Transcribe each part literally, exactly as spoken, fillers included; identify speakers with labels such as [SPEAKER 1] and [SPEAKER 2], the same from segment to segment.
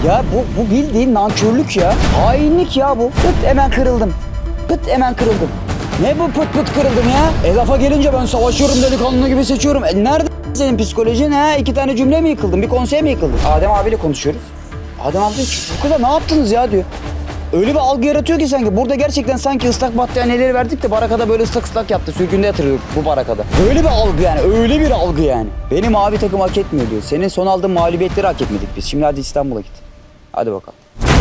[SPEAKER 1] Ya bu, bu bildiğin nankörlük ya. Hainlik ya bu. Pıt hemen kırıldım. Pıt hemen kırıldım. Ne bu pıt pıt kırıldım ya? E lafa gelince ben savaşıyorum, delikanlı gibi seçiyorum. E nerede senin psikolojin ha? İki tane cümle mi yıkıldın? Bir konsey mi yıkıldın? Adem abiyle konuşuyoruz. Adem abi diyor ki bu kıza ne yaptınız ya diyor. Öyle bir algı yaratıyor ki sanki. Burada gerçekten sanki ıslak battaniyeleri verdik de barakada böyle ıslak ıslak yaptı. Sürgünde yatırıyorduk bu barakada. Öyle bir algı yani. Öyle bir algı yani. Benim mavi takım hak etmiyor diyor. Senin son aldığın mağlubiyetleri hak etmedik biz. Şimdi hadi İstanbul'a git. Hadi bakalım.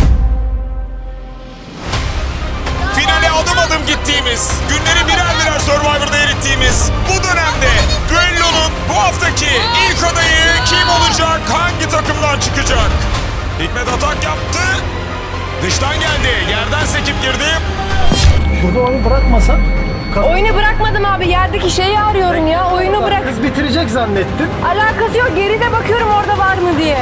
[SPEAKER 2] Finale adım adım gittiğimiz, günleri birer birer Survivor'da erittiğimiz bu dönemde düellonun bu haftaki ilk adayı kim olacak, hangi takımdan çıkacak? Hikmet atak yaptı, dıştan geldi, yerden sekip girdi.
[SPEAKER 3] Burada oyunu bırakmasak
[SPEAKER 4] Oyunu bırakmadım abi. Yerdeki şeyi arıyorum ya. Oyunu bırak.
[SPEAKER 3] kız bitirecek zannettim.
[SPEAKER 4] Alakası yok. Geride bakıyorum orada var mı diye.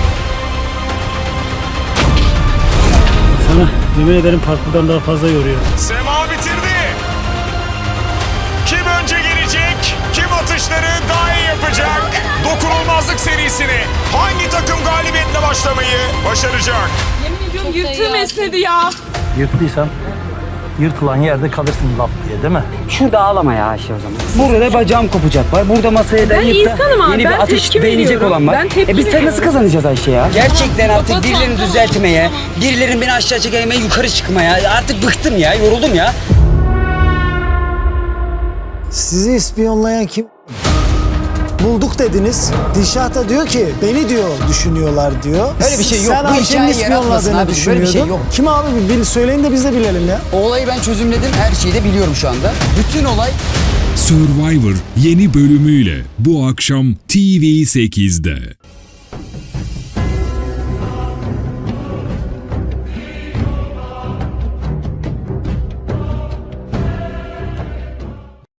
[SPEAKER 5] Sana yemin ederim parkurdan daha fazla yoruyor.
[SPEAKER 2] Sema bitirdi. Kim önce gelecek, kim atışları daha iyi yapacak? Dokunulmazlık serisini hangi takım galibiyetle başlamayı başaracak?
[SPEAKER 6] Yemin ediyorum yırtığım esnedi ya.
[SPEAKER 3] Yırttıysan yırtılan yerde kalırsın lap diye değil mi?
[SPEAKER 1] Şurada ağlama ya Ayşe o zaman. Burada da bacağım kopacak var. Burada masaya dayayıp da
[SPEAKER 6] insanım abi,
[SPEAKER 1] yeni
[SPEAKER 6] ben
[SPEAKER 1] bir atış
[SPEAKER 6] tepki
[SPEAKER 1] değinecek
[SPEAKER 6] veriyorum.
[SPEAKER 1] olan var.
[SPEAKER 6] Ben tepki
[SPEAKER 1] e biz sen nasıl
[SPEAKER 6] veriyorum.
[SPEAKER 1] kazanacağız Ayşe ya? Gerçekten artık
[SPEAKER 6] Baba,
[SPEAKER 1] birilerini
[SPEAKER 6] tamam,
[SPEAKER 1] düzeltmeye, birilerinin beni aşağı çekmeye, yukarı çıkmaya. Artık bıktım ya, yoruldum ya.
[SPEAKER 7] Sizi ispiyonlayan kim? Bulduk dediniz. Dişah da diyor ki beni diyor düşünüyorlar diyor.
[SPEAKER 1] Öyle bir şey yok.
[SPEAKER 7] Sen
[SPEAKER 1] Bu
[SPEAKER 7] Ayşe'nin
[SPEAKER 1] hikayeyi yaratmasın
[SPEAKER 7] ispiyonladığını
[SPEAKER 1] abi. Böyle bir şey
[SPEAKER 7] düşünüyordun.
[SPEAKER 1] yok.
[SPEAKER 7] Kim abi? Bir bil, söyleyin de biz de bilelim ya.
[SPEAKER 1] O olayı ben çözümledim. Her şeyi de biliyorum şu anda. Bütün olay
[SPEAKER 8] Survivor yeni bölümüyle bu akşam T V sekizde.